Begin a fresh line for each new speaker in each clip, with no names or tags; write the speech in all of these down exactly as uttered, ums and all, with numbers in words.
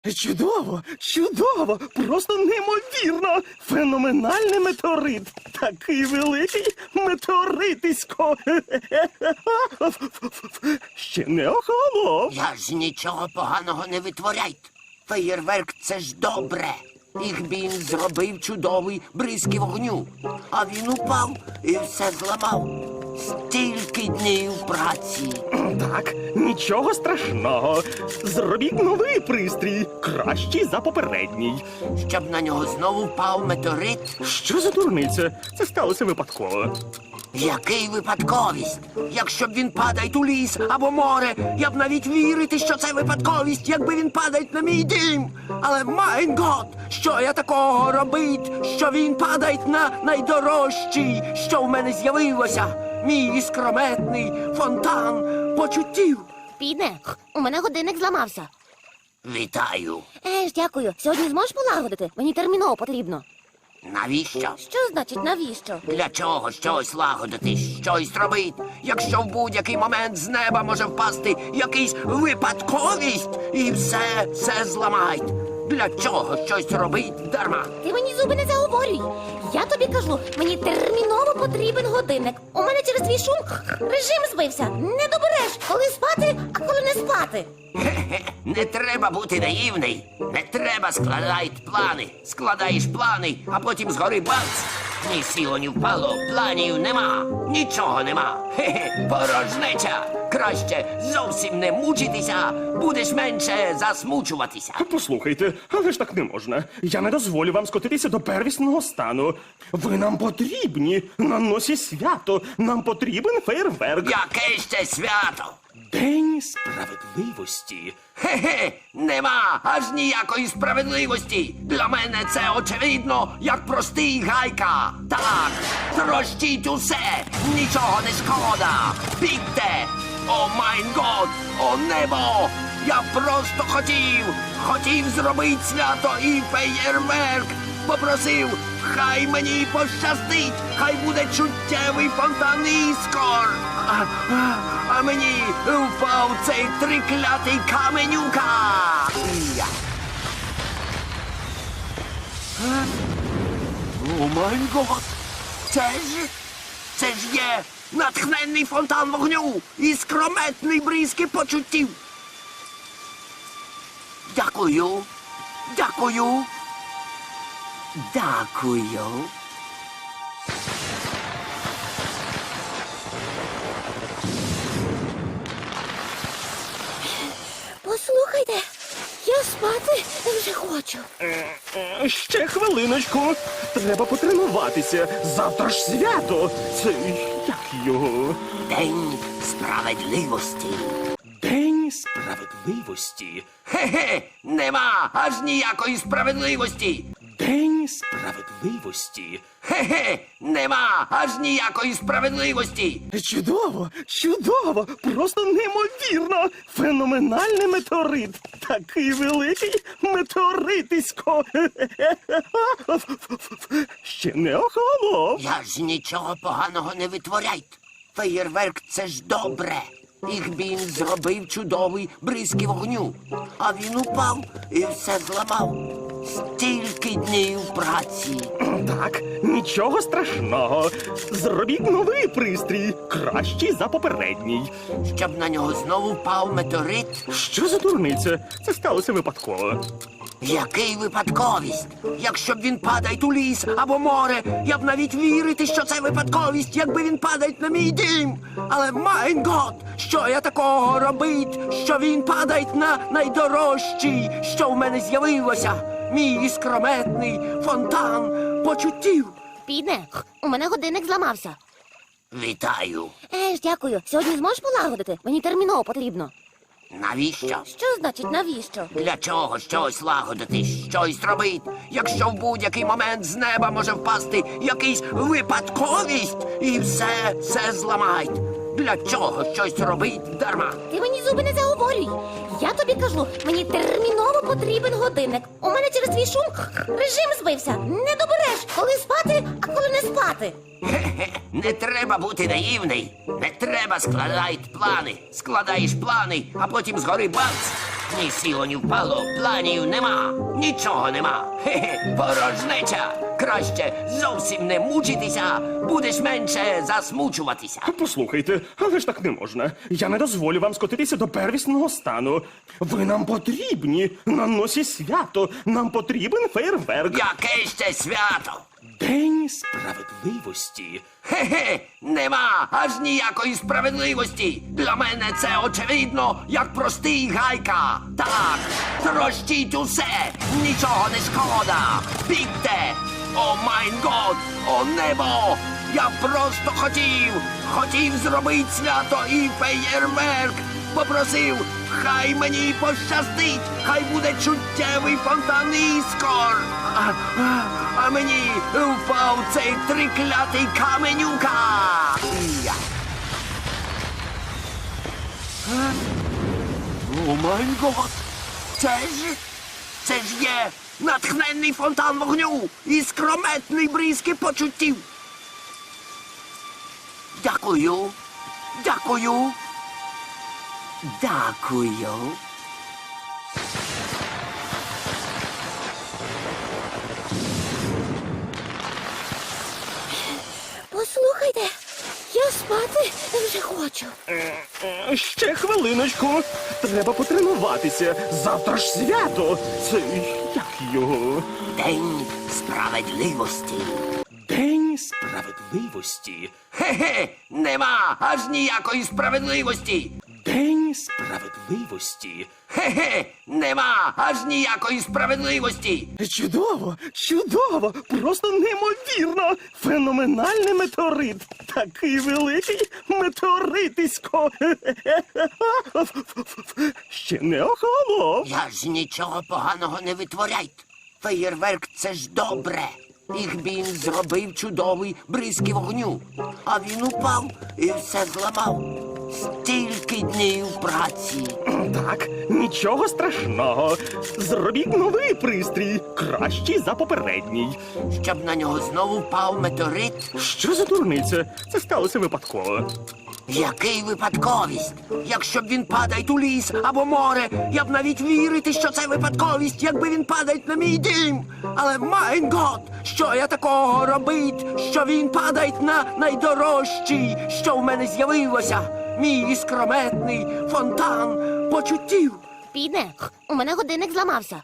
Чудово, чудово, просто неймовірно. Феноменальний метеорит. Такий великий метеоритисько. Ще не охолонув.
Я ж нічого поганого не витворяйте. Феєрверк – це ж добре. Ігбін зробив чудовий бризки вогню. А він упав і все зламав. Стільки днів праці.
Так, нічого страшного. Зробіть новий пристрій, кращий за попередній.
Щоб на нього знову впав метеорит.
Що за дурниця? Це сталося випадково.
Який випадковість? Якщо б він падає у ліс або море, я б навіть вірити, що це випадковість, якби він падає на мій дім. Але, майн гот, що я такого робить, що він падає на найдорожчий, що в мене з'явилося? Мій іскрометний фонтан почуттів.
Піде, у мене годинник зламався.
Вітаю.
Еж, дякую. Сьогодні зможеш полагодити? Мені терміново потрібно.
Навіщо?
Що значить навіщо?
Для чого щось лагодити, щось робити, якщо в будь-який момент з неба може впасти якийсь випадковість і все, все зламають? Для чого щось робить дарма?
Ти мені зуби не заговорюй. Я тобі кажу, мені терміново потрібен годинник. У мене через твій шум режим збився. Не добереш, коли спати, а коли не спати.
Хе-хе, не треба бути наївний. Не треба складати плани. Складаєш плани, а потім згори бац. Ні сіло, ні впало, планів нема. Нічого нема. Хе-хе, порожнеча. Краще зовсім не мучитися, будеш менше засмучуватися.
Послухайте, але ж так не можна. Я не дозволю вам скотитися до первісного стану. Ви нам потрібні. На носі свято. Нам потрібен фейерверк.
Яке ще свято?
День справедливості.
Хе-хе, нема аж ніякої справедливості. Для мене це очевидно, як простий гайка. Так, трощіть усе, нічого не шкода. Бігте! О майн год, о небо! Я просто хотів, хотів зробити свято і феєрверк. Попросив, хай мені пощастить, хай буде чуттєвий фонтан іскор. А, а, а мені впав цей триклятий каменюка. Я. Е? О май гот! Це ж, це ж є натхненний фонтан вогню і скрометний бризки почуттів. Дякую, дякую, дякую.
Послухайте, я спати вже хочу.
Е, Ще хвилиночку. Треба потренуватися. Завтра ж свято. Це як його?
День справедливості.
День справедливості.
Хе-хе, нема аж ніякої справедливості.
День справедливості.
Хе-хе, нема аж ніякої справедливості.
Чудово, чудово, просто неймовірно. Феноменальний метеорит. Такий великий метеоритисько. Ще не охолонув.
Я ж нічого поганого не витворяйте. Феєрверк – це ж добре. Ігбін зробив чудовий бризки вогню. А він упав і все зламав. Стільки днів праці.
Так, нічого страшного. Зробіть новий пристрій, кращий за попередній.
Щоб на нього знову впав метеорит.
Що за дурниця? Це сталося випадково.
Який випадковість? Якщо б він падає у ліс або море, я б навіть вірити, що це випадковість, якби він падає на мій дім. Але, майн гот, що я такого робить, що він падає на найдорожчий, що в мене з'явилося? Мій іскрометний фонтан почуттів.
Піде, у мене годинник зламався.
Вітаю.
Еж, дякую. Сьогодні зможеш полагодити? Мені терміново потрібно.
Навіщо?
Що значить навіщо?
Для чого щось лагодити, щось робити, якщо в будь-який момент з неба може впасти якийсь випадковість і все, все зламають? Для чого щось робить дарма?
Ти мені зуби не заговорюй. Я тобі кажу, мені терміново потрібен годинник. У мене через твій шум режим збився. Не добереш, коли спати, а коли не спати.
Хе-хе, не треба бути наївний. Не треба складати плани. Складаєш плани, а потім згори бац. Ні сіло, ні впало, планів нема, нічого нема. Хе-хе, порожнеча. Краще зовсім не мучитися, будеш менше засмучуватися.
Послухайте, але ж так не можна. Я не дозволю вам скотитися до первісного стану. Ви нам потрібні на носі свято. Нам потрібен фейерверк.
Яке ще свято?
День справедливості.
Хе-хе, нема аж ніякої справедливості. Для мене це очевидно, як простий гайка. Так, трощіть усе, нічого не шкода. Бігте! О майн год, о небо! Я просто хотів, хотів зробити свято і феєрверк. Попросив, хай мені пощастить, хай буде чуттєвий фонтан іскор. А, а, а мені впав цей триклятий каменюка. Я. Е? О май гот! Це ж, це ж є натхненний фонтан вогню і скрометний бризки почуттів. Дякую, дякую. Дякую.
Послухайте, я спати вже хочу.
Е, Ще хвилиночку. Треба потренуватися. Завтра ж свято. Це як його?
День справедливості.
День справедливості.
Хе-хе, нема аж ніякої справедливості.
День справедливості.
Хе-хе, нема аж ніякої справедливості.
Чудово, чудово, просто неймовірно. Феноменальний метеорит. Такий великий метеоритисько. Ще не охолонув.
Я ж нічого поганого не витворяйте. Феєрверк це ж добре. Їх він зробив чудовий бризки вогню. А він упав і все зламав. Стільки днів праці.
Так, нічого страшного. Зробіть новий пристрій, кращий за попередній.
Щоб на нього знову впав метеорит.
Що за дурниця? Це сталося випадково.
Який випадковість? Якщо б він падає у ліс або море, я б навіть вірити, що це випадковість, якби він падає на мій дім. Але майн гот, що я такого робить, що він падає на найдорожчий, що в мене з'явилося. Мій іскрометний фонтан почуттів.
Піде, у мене годинник зламався.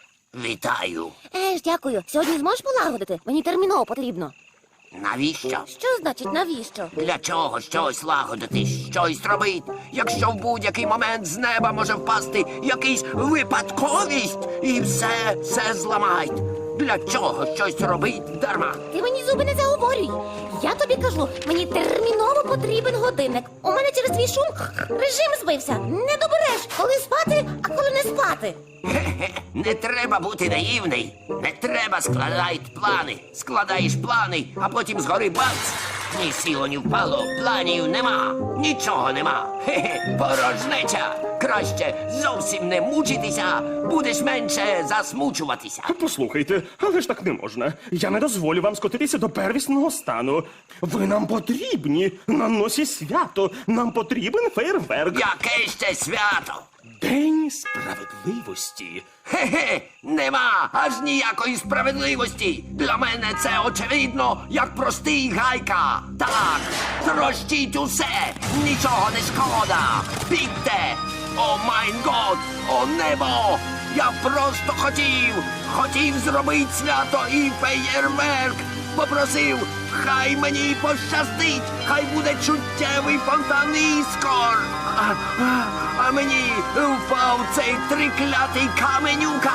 Вітаю.
Е ж, дякую. Сьогодні зможеш полагодити? Мені терміново потрібно.
Навіщо?
Що значить навіщо?
Для чого щось лагодити, щось робить, якщо в будь-який момент з неба може впасти якийсь випадковість і все, все зламають. Для чого щось робить дарма?
Ти мені зуби не заговорюй. Я тобі кажу, мені терміново потрібен годинник. У мене через твій шум режим збився. Не добереш, коли спати, а коли не спати.
Хе-хе, не треба бути наївний. Не треба складати плани. Складаєш плани, а потім згори бац. Ні сіло, ні впало, планів нема, нічого нема. Хе-хе, порожнеча. Краще зовсім не мучитися, будеш менше засмучуватися.
Послухайте, але ж так не можна. Я не дозволю вам скотитися до первісного стану. Ви нам потрібні на носі свято. Нам потрібен фейерверк.
Яке ще свято?
День справедливості.
Хе-хе, нема аж ніякої справедливості. Для мене це очевидно, як простий гайка. Так, трощіть усе, нічого не шкода. Бігте! О майн год, о небо! Я просто хотів, хотів зробити свято і феєрверк. Попросив, хай мені пощастить, хай буде чуттєвий фонтан іскор. А, а, а мені впав цей триклятий каменюка.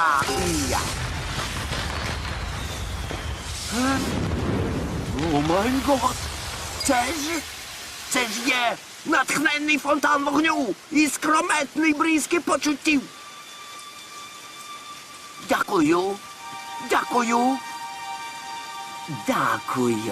Я. Е? О май гот! Це ж, це ж є натхненний фонтан вогню і скрометний бризки почуттів. Дякую, дякую, дякую.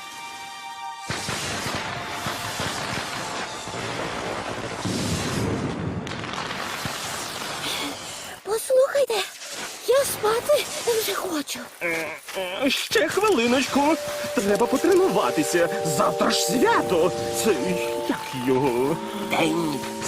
Послухайте, я спати вже хочу.
Е, е, Ще хвилиночку. Треба потренуватися. Завтра ж свято. Це як його?
День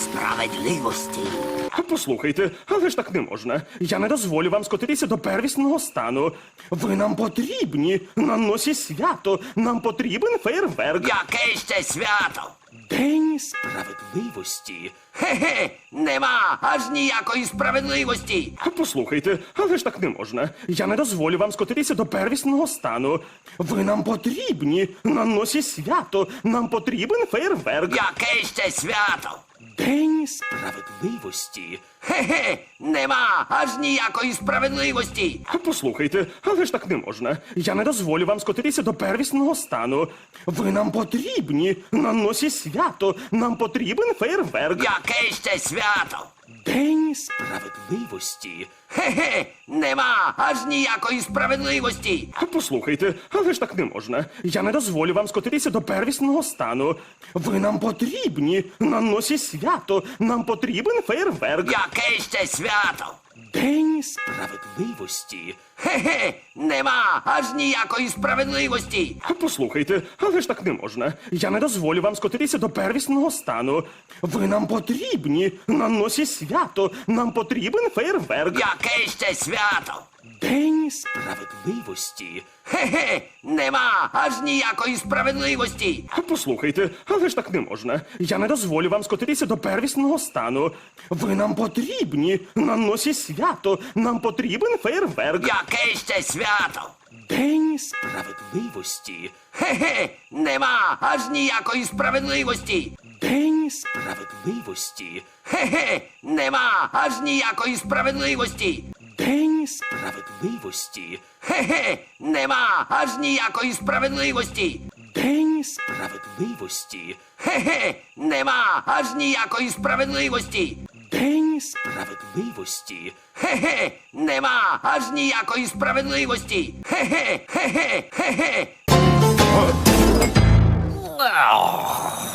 справедливості.
Послухайте, але ж так не можна. Я не дозволю вам скотитися до первісного стану. Ви нам потрібні на носі свято. Нам потрібен фейерверк.
Яке ще свято?
День справедливості.
Хе-хе, нема аж ніякої справедливості.
Послухайте, але ж так не можна. Я не дозволю вам скотитися до первісного стану. Ви нам потрібні на носі свято. Нам потрібен фейерверк.
Яке ще свято?
День справедливості.
Хе-хе, нема аж ніякої справедливості.
Послухайте, але ж так не можна. Я не дозволю вам скотитися до первісного стану. Ви нам потрібні на носі свято. Нам потрібен фейерверк.
Яке ще свято?
День справедливості.
Хе-хе, нема аж ніякої справедливості.
Послухайте, але ж так не можна. Я не дозволю вам скотитися до первісного стану. Ви нам потрібні на носі свято. Нам потрібен фейерверк.
Яке ще свято?
День справедливості.
Хе-хе, нема аж ніякої справедливості.
Послухайте, але ж так не можна. Я не дозволю вам скотитися до первісного стану. Ви нам потрібні на носі свято. Нам потрібен фейерверк.
Яке ще свято?
День справедливості.
Хе-хе, нема аж ніякої справедливості.
Послухайте, але ж так не можна. Я не дозволю вам скотитися до первісного стану. Ви нам потрібні на носі свято. Нам потрібен фейерверк.
Яке ще свято?
День справедливості.
Хе-хе, нема аж ніякої справедливості.
День справедливості.
Хе-хе, нема аж ніякої справедливості.
День справедливості.
Хе-хе, нема аж ніякої справедливості.
День справедливості.
Хе-хе, нема аж ніякої справедливості.
День справедливості.
Хе-хе, нема аж ніякої справедливості. Хе-хе, хе-хе, хе-хе.